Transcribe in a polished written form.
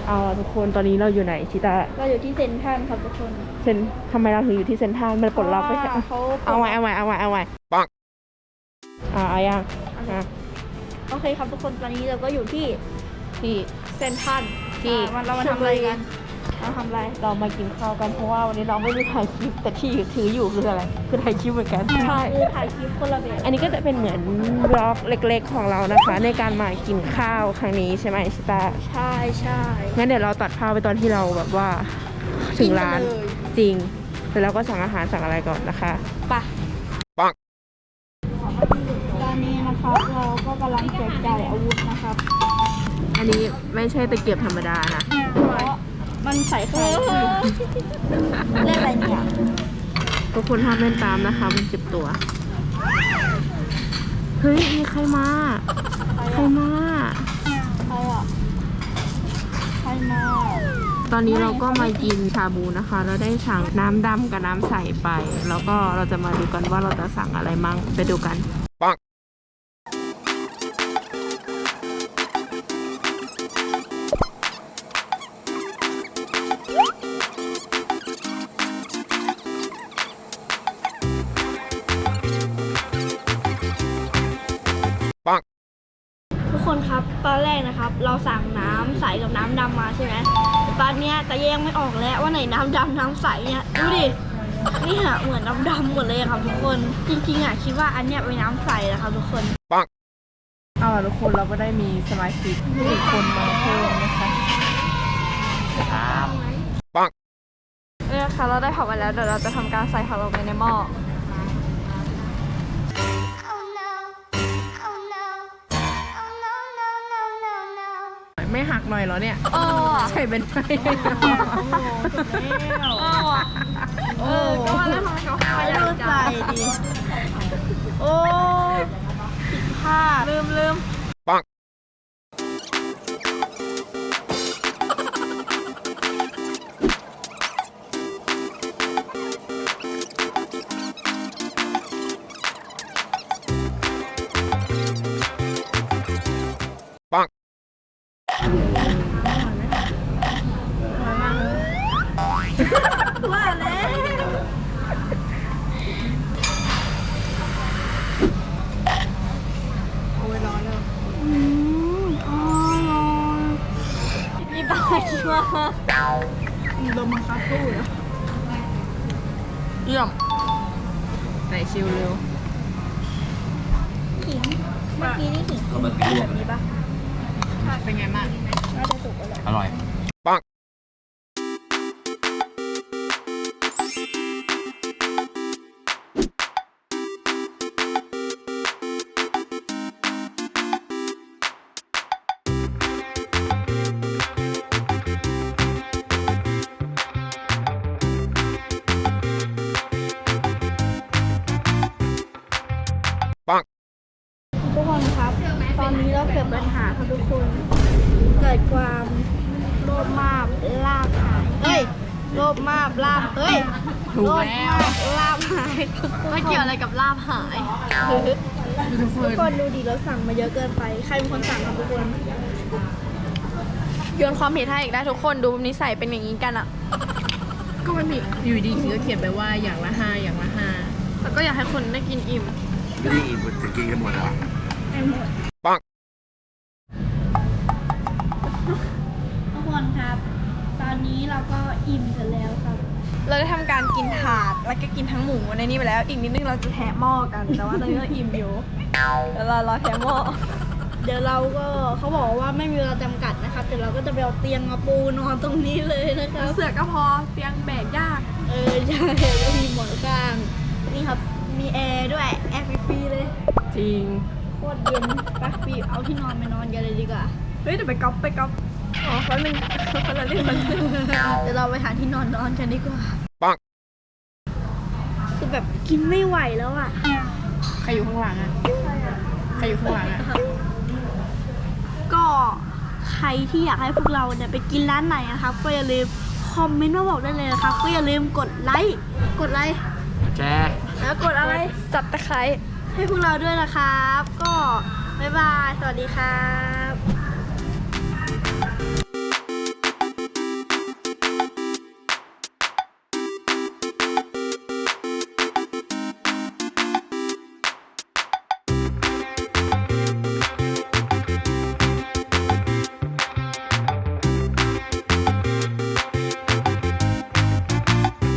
เอาทุกคนตอนนี้เราอยู่ไหนชิตาเราอยู่ที่เซ็นทรัลครับทุกคนทำไมเราถึงอยู่ที่เซ็นทรัลมันปลดล็อกไปแค่เอาไว้ปังเอายังโอเคครับทุกคนตอนนี้เราก็อยู่ที่เซ็นทรัลที่เรามาทำอะไรกันเราทำอะไรเรามากินข้าวกันเพราะว่าวันนี้เราไม่ได้ถ่ายคลิปแต่ที่ถืออยู่คืออะไรคือถ่ายคลิปเหมือนกันใช่คือถ่ายคลิปคนละแบบอันนี้ก็จะเป็นเหมือนบล็อกเล็กๆของเรานะคะในการมากินข้าวครั้งนี้ใช่ไหมชิตาใช่งั้นเดี๋ยวเราตัดภาพไปตอนที่เราแบบว่าถึงร้านจริงแล้วเราก็สั่งอาหารสั่งอะไรก่อนนะคะปังตอนนี้นะครับเราก็กำลังแจกจ่ายอาวุธนะครับอันนี้ไม่ใช่ตะเกียบธรรมดานะเพราะมันใส่ไข่เล่นอะไรเนี่ยทุกคนห้ามเล่นตามนะคะมันเจ็บตัวเฮ้ยมีใครมาตอนนี้เราก็มากินชาบูนะคะเราได้สั่งน้ำดำกับน้ำใสไปแล้วก็เราจะมาดูกันว่าเราจะสั่งอะไรมั่งไปดูกันปังทุกคนครับตอนแรกนะครับเราสั่งน้ำใสกับน้ำดำมาใช่ไหมตอนนี้แต่แยกไม่ออกแล้วว่าไหนน้ำดำน้ำใสเนี่ยดูดินี่ฮะเหมือนน้ำดำหมดเลยครับทุกคนจริงๆคิดว่าอันเนี้ยเป็นน้ำใสนะครับทุกคนปังเอาล่ะทุกคนเราก็ได้มีสมาชิกอีกคนมาเพิ่มนะคะปังนี่นะคะเราได้ผักมาแล้วเดี๋ยวเราจะทำการใส่ผักลงไปในหม้อไม่หักหน่อยเหรอเนี่ยใช่เป็นไปก็ว่าแล้วทำไมเขาไม่ได้ใส่ดิโอ้ผิดพลาดลืมปังว่าแล้วโอ้ยร้อนเลยอร่อยมีปลาคิวลมมาคาตู้เหรอเยี่ยมไหนชิวเร็วขิงเมื่อกี้นี่ขิงแบบนี้ปะเป็นไงบ้างน่าจะสุกแล้วอร่อยปังทุกคนครับตอนนี้เราเกิดปัญหาครับทุกคนเกิดความโลภมากลาบหายโลภมากลาบถูกแล้วลาบหายไม่เกี่ยวอะไรกับลาบหายทุกคนดูดิเราสั่งมาเยอะเกินไปใครเป็นคนสั่งครับทุกคนโยนความผิดให้อีกได้ทุกคนดูนิสัยเป็นอย่างนี้กันอ่ะก็มันมีอยู่ดีคือก็เขียนไปว่าอย่างละ5อย่างละ5แล้วก็อยากให้คนได้กินอิ่มไม่ได้อิ่มจะกินกันหมดเหรอปังทุกคนครับตอนนี้เราก็อิ่มกันแล้วครับเราได้ทำการกินถาดแล้วก็กินทั้งหมูในนี้ไปแล้วอีกนิดนึงเราจะแถมหม้อกันแต่ว่าตอนนี้เราอิ่มอยู่แล้วเรารอแถมหม้อเดี๋ยวเราก็เขาบอกว่าไม่มีเวลาจำกัดนะครับเดี๋ยวเราก็จะไปเอาเตียงมาปูนอนตรงนี้เลยนะครับเสือก็พอเตียงแบกยากใช่แล้วมีหมอนข้างนี่ครับมีแอร์ด้วยแอร์ฟรีเลยจริงโคตรเย็นไปปีเอาที่นอนไปนอนกันเลยดีกว่าเฮ้ยเดี๋ยวไปก๊อปอ๋อแป๊บนึงคนละเรื่องเดี๋ยวเราไปหาที่นอนกันดีกว่าปังคือแบบกินไม่ไหวแล้วอ่ะใครอยู่ข้างหลังอ่ะใครอยู่ข้างหลังอ่ะก็ใครที่อยากให้พวกเราเนี่ยไปกินร้านไหนนะครับก็อย่าลืมคอมเมนต์มาบอกได้เลยนะครับก็อย่าลืมกดไลค์แชร์แล้วกดอะไรสับตะไคร้ให้พวกเราด้วยนะครับก็บ๊ายบายสวัสดีครับ